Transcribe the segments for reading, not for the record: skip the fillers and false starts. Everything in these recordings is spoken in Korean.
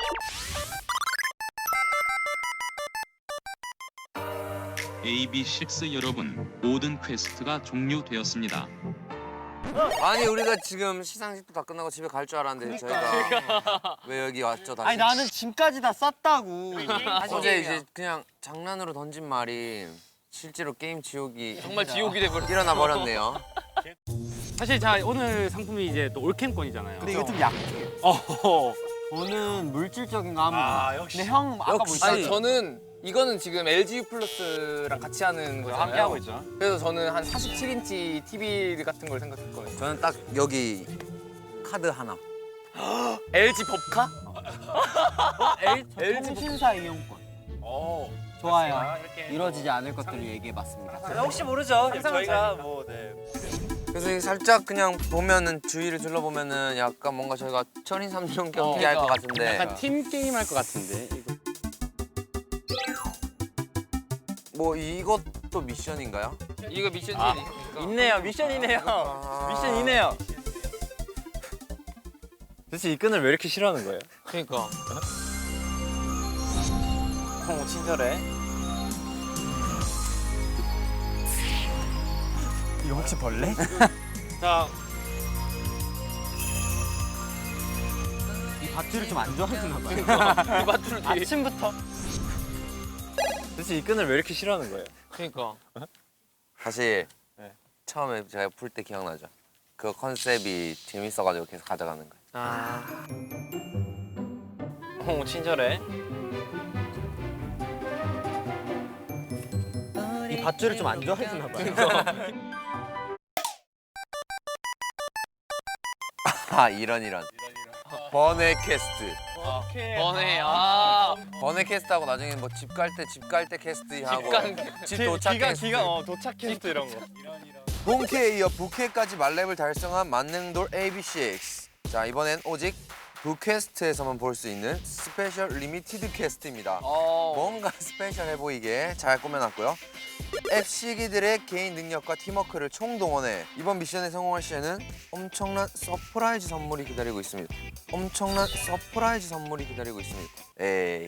AB6 여러분, 모든 퀘스트가 종료되었습니다. 아니 우리가 지금 시상식도 다 끝나고 집에 갈 줄 알았는데 저희가 왜 여기 왔죠 다시? 아니 나는 짐까지 다 쌌다고. 어제 이제 그냥 장난으로 던진 말이 실제로 게임 지옥이 정말 지옥이 돼버렸어. 일어나 버렸네요. 사실 자 오늘 상품이 이제 또 올캠권이잖아요. 근데 이게 좀 약해. 저는 물질적인 거 합니다. 근데 형 아까 뭐 아니 저는 이거는 지금 LG U 플러스랑 같이 하는 거잖아요. 함께 하고 있죠. 그래서 저는 한 47인치 TV 같은 걸 생각했거든요. 저는 딱 여기 카드 하나. LG 법카? LG 통신사 이용권. 좋아요. 이루어지지 않을 것들을 얘기해봤습니다. 혹시 모르죠. 저희가 뭐 그래서 이게 살짝 그냥 보면은 주위를 둘러보면은 약간 뭔가 저희가 천인 삼종 경기 할 것 같은데. 약간 팀 게임 할 것 같은데. 이거. 뭐 이것도 미션인가요? 이거 미션 있네요. 미션이네요. 미션이네요. 도대체 이 끈을 왜 이렇게 싫어하는 거예요? 그러니까. 친절해. 이거 혹시 벌레? 자, 이 밧줄을 좀 안 좋아하시나 봐요. 이 밧줄을 되게. 아침부터. 도대체 이 끈을 왜 이렇게 싫어하는 거예요? 그러니까. 사실 네. 처음에 제가 풀 때 기억나죠? 그 컨셉이 재밌어가지고 계속 가져가는 거예요. 아. 친절해. 이 밧줄을 좀 안 좋아하시나 봐요. 아 이런. 번외 퀘스트. 번에 번외 퀘스트하고 나중에 뭐 집 갈 때 퀘스트 하고 집 도착 퀘스트. 도착 퀘스트 이런 거. 본캐에 이어 부캐까지 만렙을 달성한 만능돌 AB6. 자 이번엔 오직 부퀘스트에서만 볼 수 있는 스페셜 리미티드 퀘스트입니다. 뭔가 스페셜해 보이게 잘 꾸며놨고요. FC기들의 개인 능력과 팀워크를 총동원해 이번 미션에 성공할 시에는 엄청난 서프라이즈 선물이 기다리고 있습니다. 에이.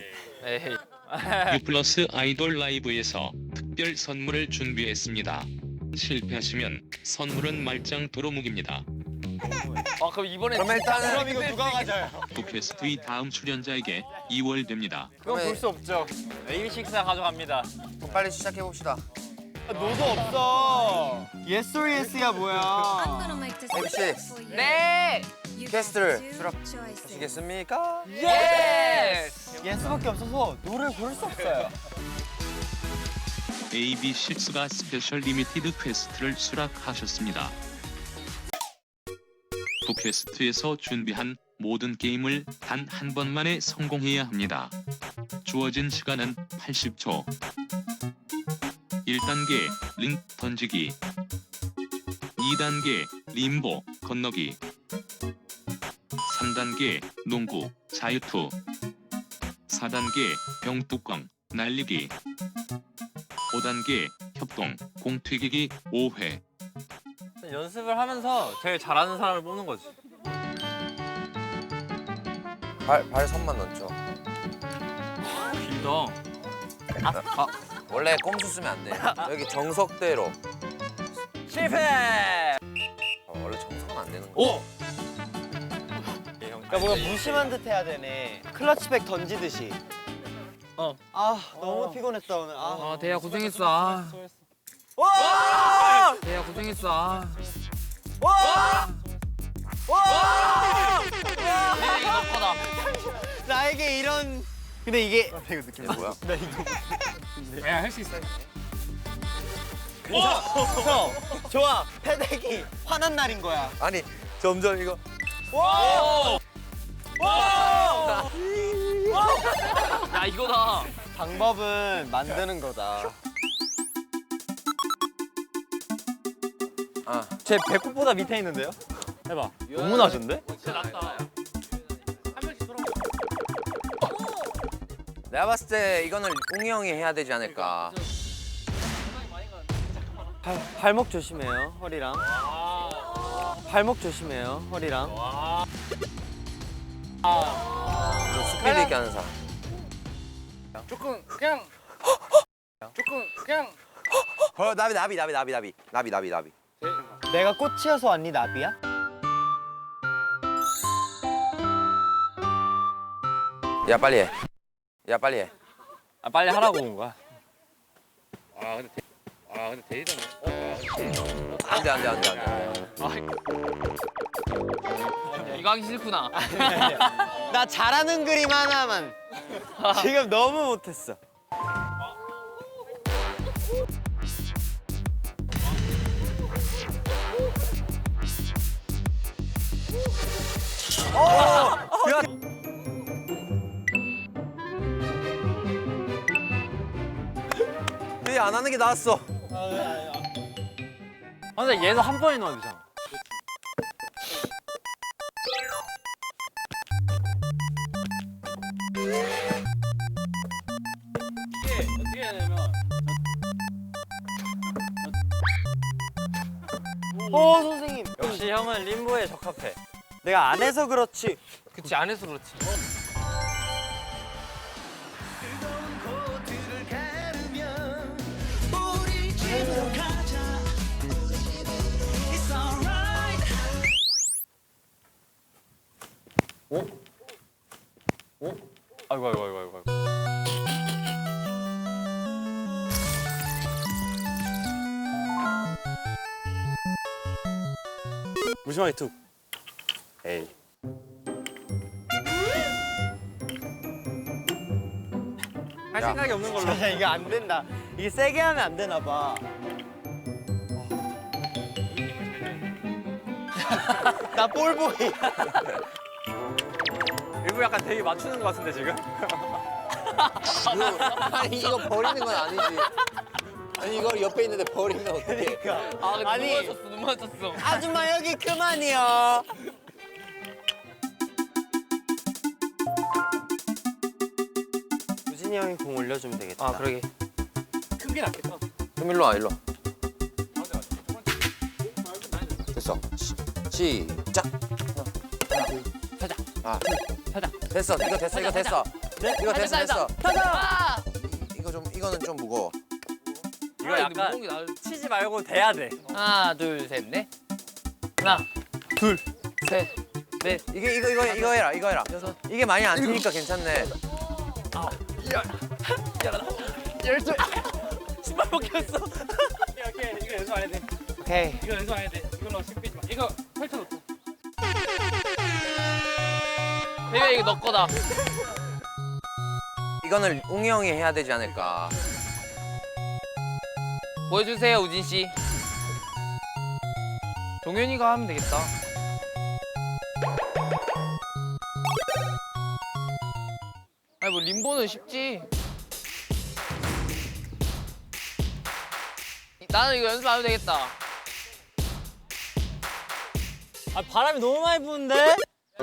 U+ 아이돌 라이브에서 특별 선물을 준비했습니다. 실패하시면 선물은 말짱 도루묵입니다. 그럼 이번에 그럼 일단은 이거 누가 가져요? 부퀘스트의 다음 출연자에게 이월됩니다. 그건 볼 수 없죠. AB6가 가져갑니다. 빨리 시작해 봅시다. 노도 없어. Yes or Yes야 뭐야? AB6 네. 퀘스트를 수락하시겠습니까? 예스. Yes밖에 없어서 노를 고를 수 없어요. AB6가 스페셜 리미티드 퀘스트를 수락하셨습니다. 부퀘스트에서 준비한 모든 게임을 단 한 번만에 성공해야 합니다. 주어진 시간은 80초. 1단계 링 던지기, 2단계 림보 건너기, 3단계 농구 자유투, 4단계 병뚜껑 날리기, 5단계 협동 공 튀기기 5회. 연습을 하면서 제일 잘하는 사람을 뽑는 거지. 발 선만 넣죠. 길다. 원래 꼼수 쓰면 안 돼. 여기 정석대로. 실패. 원래 정석은 안 되는 거. 오! 그러니까 뭔가 무심한 듯 해야 되네. 클러치백 던지듯이. 너무 피곤했다 오늘. 대야 고생했어. 와! 대야 고생했어. 와! 이거 너거다. 나에게 이런. 근데 이게 이게 뭐야? 야, 할 수 있어. 형 좋아. 패대기 화난 날인 거야. 아니 점점 이거 와! 와! 야 이거다. 방법은 만드는 거다. 제 배꼽보다 밑에 있는데요? 해봐. 너무 낮은데? 내가 봤을 때 이거는 웅이 형이 해야 되지 않을까. 발목 조심해요, 허리랑. 발목 조심해요, 허리랑. 스피드 있게 재밌게 하는 사람. 조금 그냥 나비. 내가 꽃이어서 언니 나비야? 야 빨리 해. 야 빨리 해. 아 빨리 하라고 온 거야. 근데 데이터는 안돼. 이거 하기 싫구나. 나 잘하는 그림 하나만. 지금 너무 못했어. 근데 안 하는 게 나았어. 아, 근데 얘도 한 번에 넣어야 되잖아. 이게 어떻게 해야 되냐면 선생님. 역시 형은 림보에 적합해. 내가 안 해서 그렇지. 그치 안 해서 그렇지. 아이고. 무심하게 툭. 에이. 할 생각이 없는 걸로. 이게 안 된다. 이게 세게 하면 안 되나 봐. 나 볼보이. 일부 약간 되게 맞추는 것 같은데 지금? 아니 이거 버리는 건 아니지. 아니 이걸 옆에 있는데 버리면 어떡해. 아 근데 아니. 눈 맞췄어. 아줌마 여기 그만이요. 우진이 형이 공 올려주면 되겠다. 아 그러게. 큰 게 낫겠다. 그럼 일로 와. 됐어. 시작. 가자. 아 가자. 됐어. 이거 됐어. 이거 됐어. 이거 됐어. 가자. 이거는 좀 무거워. 이거 약간 치지 말고 돼야 돼. 하나 둘 셋 넷. 하나 둘 셋 넷. 이거 해라. 여섯. 이게 많이 안 튀니까 괜찮네. 열둘. 신발 벗겼어. 오케이 이거 연습 안 해야 돼. 오케이. 이거 연습 안 해야 돼. 이걸로 심 빼지 마. 이거 펼쳐놓고. 대가 이거 너 거다. 이거는 웅이 형이 해야 되지 않을까. 보여주세요 우진 씨. 동현이가 하면 되겠다. 아니 뭐 림보는 쉽지. 나는 이거 연습 안 해도 되겠다. 아 바람이 너무 많이 부는데?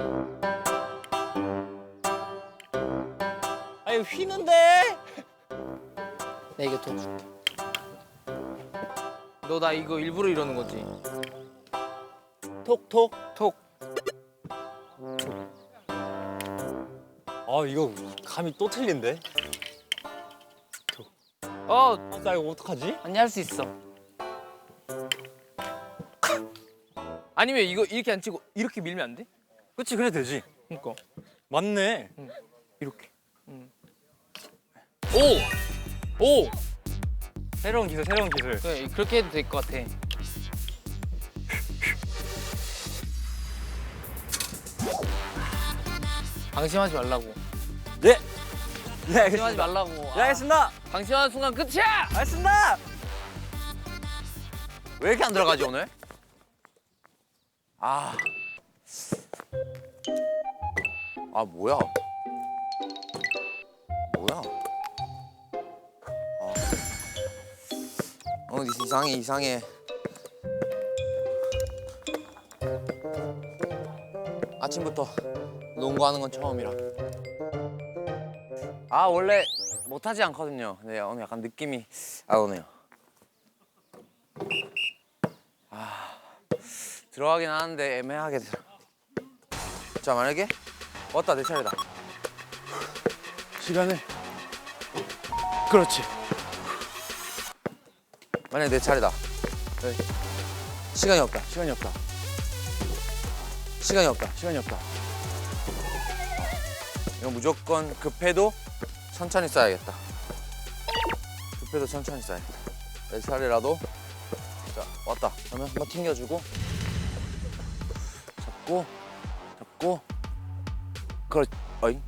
아 이거 휘는데? 나 이거 도와줄게. 너 나 이거 일부러 이러는 거지? 톡톡. 톡. 아 이거 감이 또 틀린데? 어 나 이거 어떡하지? 언니 할 수 있어. 아니면 이거 이렇게 안 치고 이렇게 밀면 안 돼? 그치 그래 되지. 그러니까 맞네. 이렇게. 오! 오! 새로운 기술. 그래, 그렇게 해도 될 것 같아. 방심하지 말라고. 네. 네 방심하지 알겠습니다. 말라고. 네 알겠습니다. 방심하는 순간 끝이야! 알겠습니다. 왜 이렇게 안 들어가지 오늘? 아 뭐야? 이상해. 아침부터 농구하는 건 처음이라. 원래 못하지 않거든요. 근데 오늘 약간 느낌이 오네요. 들어가긴 하는데 애매하게 들어. 자 만약에 왔다 내 차례다. 시간을. 그렇지. 만약에 내 차례다. 네. 시간이 없다. 시간이 없다. 시간이 없다. 시간이 없다. 이거 무조건 급해도 천천히 쌓아야겠다. 급해도 천천히 쌓아야겠다. 내 차례라도. 자, 왔다. 그러면 한번 튕겨주고. 잡고. 그렇지. 어이.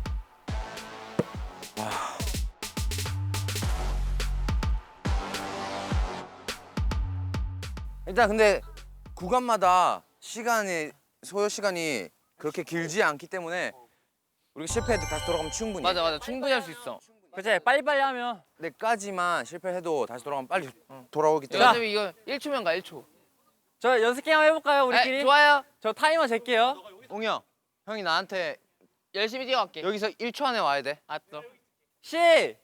일단 근데 구간마다 소요 시간이 그렇게 길지 않기 때문에 우리가 실패해도 다시 돌아가면 충분히. 맞아 충분히 할 수 있어. 그치 빨리빨리 하면. 내까지만 실패해도 다시 돌아가면 빨리 돌아오기 자, 때문에. 어차피 이거 1초면 가 1초. 저 연습 게임 한번 해볼까요 우리끼리? 네, 좋아요. 저 타이머 잴게요. 옹이 형, 형이 나한테 열심히 뛰어갈게. 여기서 1초 안에 와야 돼. 알았어. 시.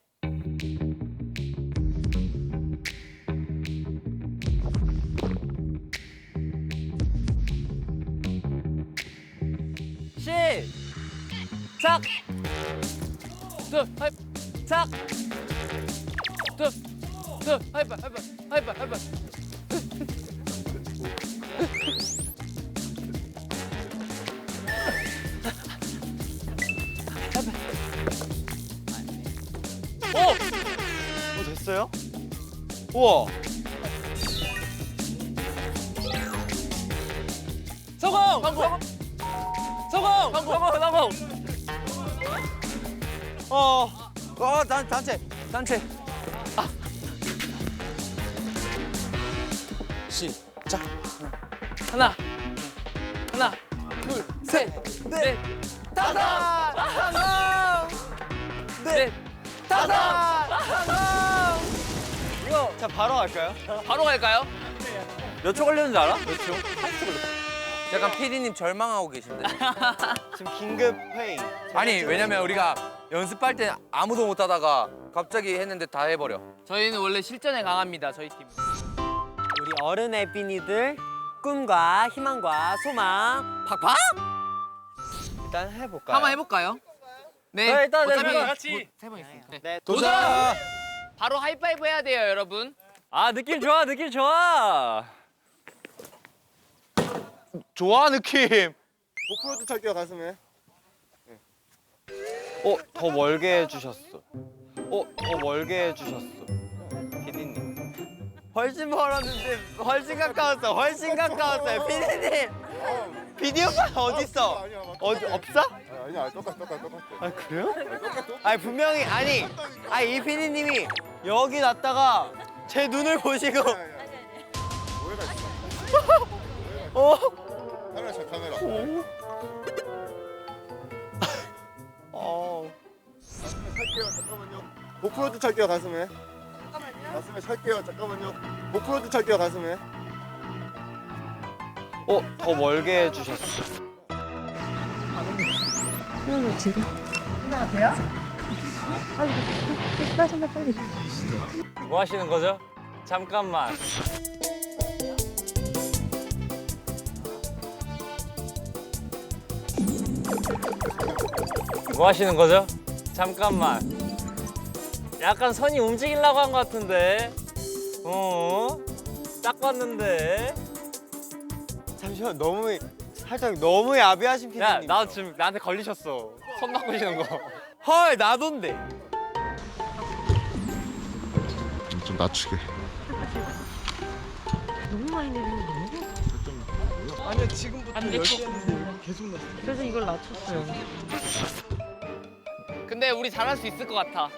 시작. 짝. 하이파. 됐어요? 우와. 성공. 단체. 시작. 하나, 둘, 셋, 넷, 다섯. 넷, 다섯. 이거 자 바로 할까요? 바로 갈까요? 몇 초 걸렸는지 알아? 몇 초? 약간 PD님 절망하고 계신데. 지금 긴급 회의. 아니 왜냐면 우리가 연습할 때 아무도 못 하다가 갑자기 했는데 다 해버려. 저희는 원래 실전에 강합니다. 저희 팀. 우리 어른의 삐니들 꿈과 희망과 소망 팍팍. 일단 해볼까요? 한번 해볼까요? 네. 네, 일단 어차피 같이. 세 번 있으니까. 네. 네, 도전! 바로 하이파이브 해야 돼요, 여러분. 아 느낌 좋아. 좋아 느낌. 오프로드 탈게요 가슴에. 더 멀게 해주셨어. 더 멀게 해주셨어. 피디님. 훨씬 멀었는데 훨씬 가까웠어요. 피디님. 피디 오빠 어딨어? 아니야 맞다. 어디 없어? 아니야 똑같아. 아 그래요? 아니 분명히 아니 이 피디님이 여기 놨다가 제 눈을 보시고 오해가 있어. 카메라 차 카메라. 가슴에 찰게요 잠깐만요. 오프로드 찰게요 가슴에. 가슴에 찰게요 잠깐만요. 오프로드 찰게요 가슴에. 더 멀게 해주셨어. 지금 돼요? 빨리 빨리 빨리. 뭐 하시는 거죠? 잠깐만. 뭐 하시는 거죠? 잠깐만. 약간 선이 움직이려고 한 것 같은데. 딱 봤는데. 잠시만 살짝 너무 야비하신 피디님. 야, 나 지금 나한테 걸리셨어. 손 바꾸시는 거. 헐 나던데. 좀 낮추게. 너무 많이 내리는 거 아니야? 아니야 지금부터 열심히 그래서 이걸 낮췄어요. 근데 우리 잘할 수 있을 것 같아.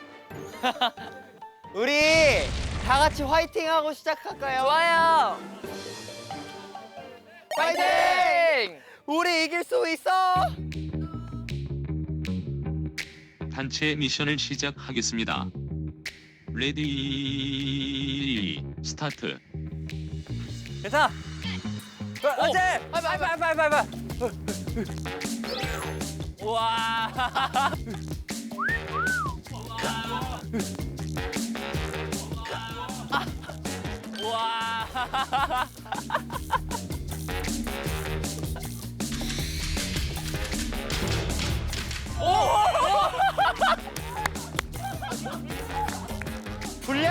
우리 다 같이 화이팅하고 시작할까요? 좋아요. 파이팅! 우리 이길 수 있어. 단체 미션을 시작하겠습니다. 레디 스타트. 괜찮아. 어제. 하이파이브. 우와. 우와.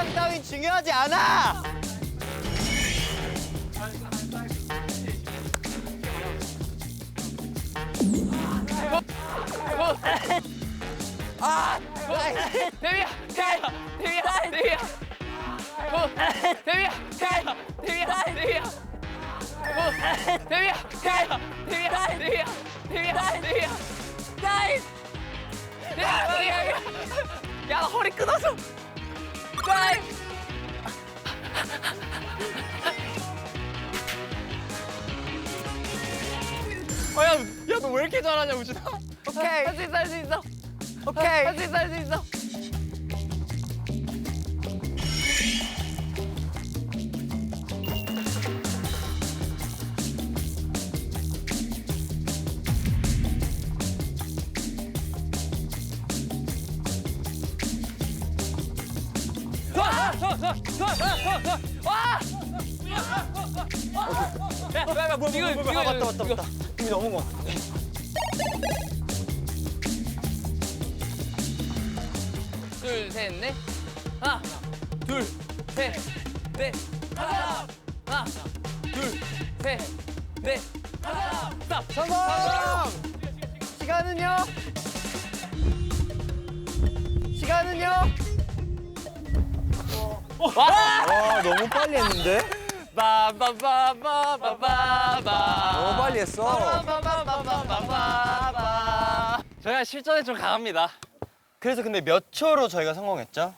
상 따윈 중요하지 않아. 야, 허리 끊어서. 야, 너 왜 이렇게 잘하냐, 우진아? 오케이. 할 수 있어, 할 수 있어. 오케이. 할 수 있어, 할 수 있어. 맞다. 이미 넘은 거. 둘, 셋, 넷. 하나, 둘, 셋, 넷. 하나, 둘, 셋, 넷. 하나, 스탑. 성공! 시간은요? 와, 너무 빨리 했는데? 바바바바바바바. 너무 빨리 했어. 바바바바바바바. 저희가 실전에 좀 강합니다. 그래서 근데 몇 초로 저희가 성공했죠?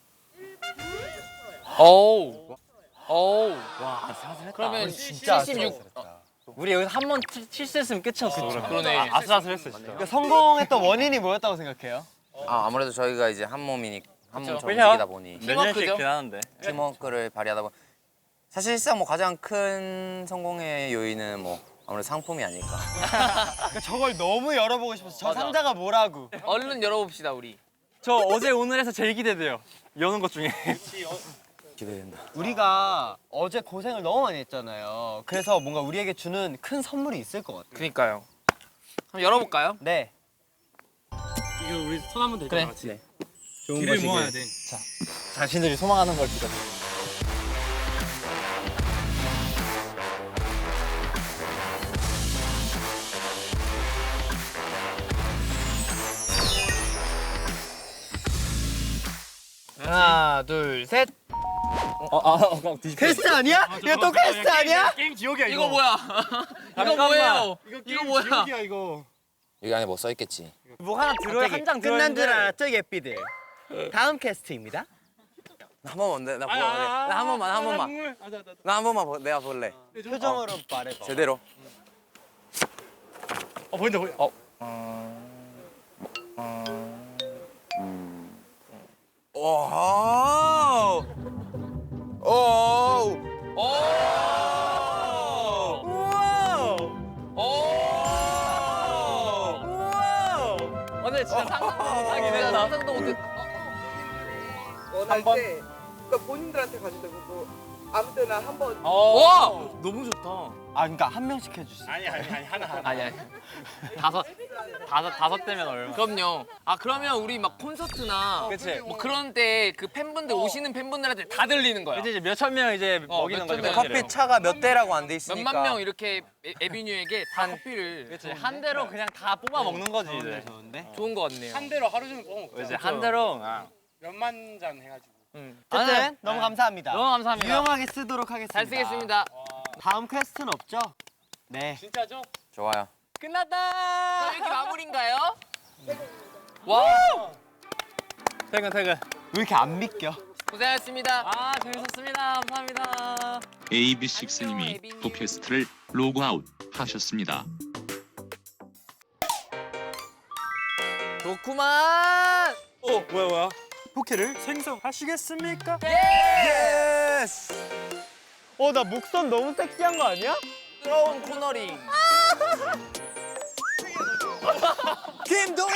오우. 와, 아슬아슬했다. 그러면 진짜 76. 우리 여기서 한 번 실수했으면 끝이었어. 그러네. 아슬아슬했어, 진짜. 그러니까 성공했던 원인이 뭐였다고 생각해요? 아무래도 저희가 이제 한 몸 그쵸. 움직이다 보니 몇 년씩긴 하는데. 팀워크를 발휘하다 보니 사실상 뭐 가장 큰 성공의 요인은 뭐 아무래도 상품이 아닐까. 그러니까 저걸 너무 열어보고 싶어서 저 상자가 뭐라고? 얼른 열어봅시다, 우리. 저 어제 오늘에서 제일 기대돼요. 여는 것 중에. 기대된다. 우리가 어제 고생을 너무 많이 했잖아요. 그래서 뭔가 우리에게 주는 큰 선물이 있을 것 같아요. 그니까요. 그럼 열어볼까요? 네. 이거 우리 손 한번 대자. 그래. 같이. 좋은 것이길. 모아야 돼. 자, 자신들이 소망하는 걸 믿어. 하나, 둘, 셋. 퀘스트 아니야? 이거 또 퀘스트 아니야? 게임 지옥이야 이거 뭐야? 이거 뭐예요? 이거 뭐야? 지옥이야 이거. 여기 안에 뭐 써있겠지. 뭐 하나 들어야 한 장 들어야 끝난 줄 알았죠, 예삐들? 다음 퀘스트입니다. 한 번만 나 한 번만. 나 한 번만 내가 볼래. 표정으로 말해봐. 제대로. 보인다. 오. 오. 오늘 진짜 상상도 못하긴 했다. 상상도 못했. 원할 때 그러니까 본인들한테 가져도 되고 아무 때나 한번 와, 너무 좋다. 아, 그러니까 한 명씩 해주세요. 아니 하나. 아니. 다섯 대면 얼마? 그럼요. 아, 그러면 우리 막 콘서트나 그치. 뭐 그런 때 그 팬분들 오시는 팬분들한테 다 들리는 거야. 이제 몇천 명 이제 먹이는 몇천 거죠. 명. 커피 차가 몇 대라고 안 돼 있으니까. 몇만 명 이렇게 에비뉴에게 다 커피를 그치. 한 대로 그냥 다 뽑아 먹는 거지 이제. 좋은데? 좋은 거 같네요. 한 대로 하루 종일 먹어 이제 한 대로. 몇만 잔 해가지고 어쨌든 너무 감사합니다. 너무 감사합니다. 유용하게 쓰도록 하겠습니다. 잘 쓰겠습니다. 다음 퀘스트는 없죠? 네. 진짜죠? 좋아요. 끝났다. 이렇게 마무리인가요? 와, 퇴근. 왜 이렇게 안 믿겨? 고생하셨습니다. 아 재밌었습니다. 감사합니다. AB6님이 도캐스트를 로그아웃 하셨습니다. 좋구만. 뭐야? 포켓을? 생성하시겠습니까? 예스. 나 목선 너무 섹시한 거 아니야? 부러운 코너링. 김동현.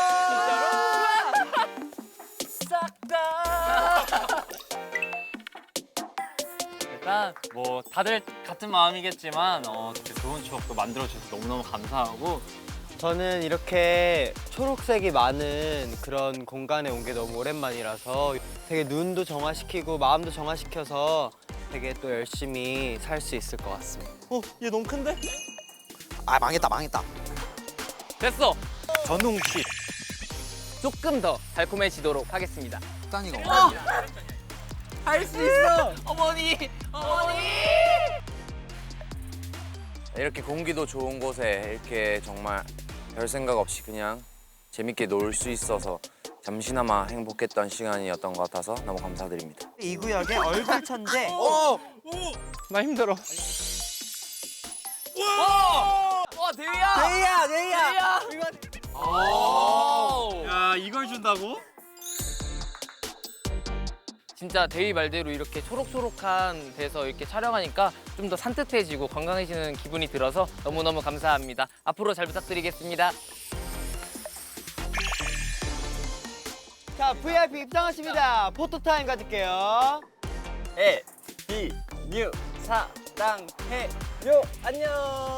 일단 뭐 다들 같은 마음이겠지만 이렇게 좋은 추억도 만들어 주셔서 너무너무 감사하고 저는 이렇게 초록색이 많은 그런 공간에 온 게 너무 오랜만이라서 되게 눈도 정화시키고 마음도 정화시켜서 되게 또 열심히 살 수 있을 것 같습니다. 얘 너무 큰데? 아 망했다. 됐어. 전웅 씨. 조금 더 달콤해지도록 하겠습니다. 할 수 있어. 어머니. 이렇게 공기도 좋은 곳에 이렇게 정말 별 생각 없이 그냥 재밌게 놀 수 있어서 잠시나마 행복했던 시간이었던 것 같아서 너무 감사드립니다. 이 구역의 얼굴 천재. 나 힘들어. 와 대희야. 대희야. 야, 이걸 준다고? 진짜 대희 말대로 이렇게 초록초록한 데서 이렇게 촬영하니까 좀 더 산뜻해지고 건강해지는 기분이 들어서 너무너무 감사합니다. 앞으로 잘 부탁드리겠습니다. 자, VIP 입장하십니다. 포토타임 가질게요. 뉴 사랑해요. 안녕.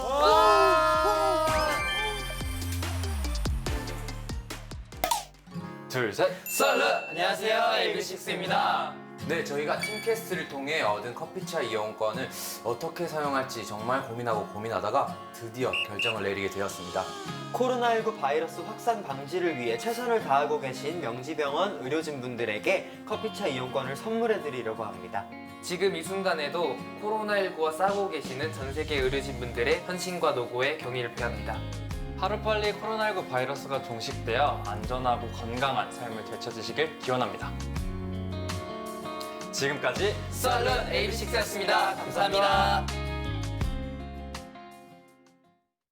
둘, 셋. 안녕하세요, AB6IX입니다. 네, 저희가 팀캐스트를 통해 얻은 커피차 이용권을 어떻게 사용할지 정말 고민하다가 드디어 결정을 내리게 되었습니다. 코로나19 바이러스 확산 방지를 위해 최선을 다하고 계신 명지병원 의료진분들에게 커피차 이용권을 선물해 드리려고 합니다. 지금 이 순간에도 코로나19와 싸우고 계시는 전 세계 의료진분들의 헌신과 노고에 경의를 표합니다. 하루빨리 코로나19 바이러스가 종식되어 안전하고 건강한 삶을 되찾으시길 기원합니다. 지금까지 썰른 AB6IX였습니다. 감사합니다.